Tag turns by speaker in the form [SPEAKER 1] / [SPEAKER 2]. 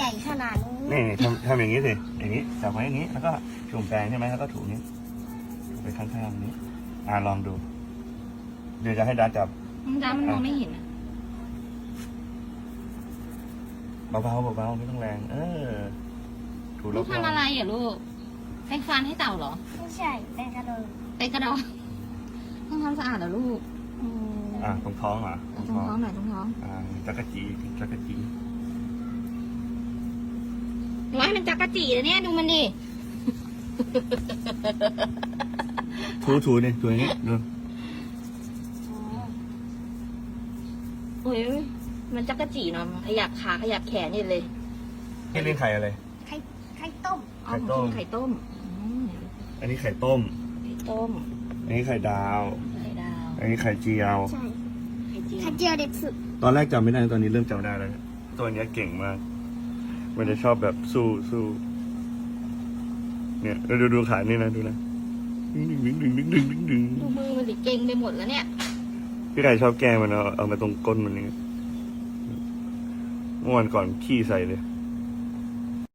[SPEAKER 1] ญ่ขนาดนี้
[SPEAKER 2] นี่ทำอย่างนี้สิอย่างนี้จับไว้อย่างนี้แล้วก็จุ่มแปรงใช่ไหมแล้วก็ถูนี้ถูไปข้างๆนี้ลองดูเดี๋ยวจะให้ดาจับ
[SPEAKER 3] จ้ามันมองไม่เห็นอ่ะ
[SPEAKER 2] เบาๆไม่ต้องแรงถูร
[SPEAKER 3] ลู
[SPEAKER 2] อก บ
[SPEAKER 3] ทำอะไรอ่ะลูกแปรงฟันให้เต่าเหรอ
[SPEAKER 1] ไม่ใช่แต่กระโดด
[SPEAKER 3] ไปกระดองต้องทำสะอาดเหรอลูก
[SPEAKER 2] ตรงท้องเหรอ
[SPEAKER 3] ตรงท้องหน่อยตรงท้อง
[SPEAKER 2] จักรจี
[SPEAKER 3] ว้ายมันจักระจีเลยเนี่ยดูมันดิ
[SPEAKER 2] ถูนี่ตัวนี้ดู
[SPEAKER 3] โอ้ยมันจักระจีเนาะขยับขาขยับแขนนี่เลย
[SPEAKER 2] นี่เลี้ยงไข่อะไร
[SPEAKER 1] ไข่ต้ม
[SPEAKER 3] เอาของกินไข่ต้ม
[SPEAKER 2] อันนี้ไข่ต้ม
[SPEAKER 3] ไข่ต้ม
[SPEAKER 2] อันนี้ไข่ดาว
[SPEAKER 3] ไข่ดาว
[SPEAKER 2] อันนี้ไข่เจียว
[SPEAKER 1] ใช่
[SPEAKER 3] ไข่เจียว
[SPEAKER 1] ไข่เจียวเด็กสุด
[SPEAKER 2] ตอนแรกจำไม่ได้ตอนนี้เริ่มจำได้แล้วตัวเนี้ยเก่งมากมันจะชอบแบบสู้เนี่ยดูขานี่นะดูนะดึง
[SPEAKER 3] ดูมือมันดิเก่งไปหมดแล้วเนี่ย
[SPEAKER 2] พี่ไก่ชอบแกล้งมันเอามาตรงก้นมันนี่เมื่อวันก่อนขี้ใส่เลย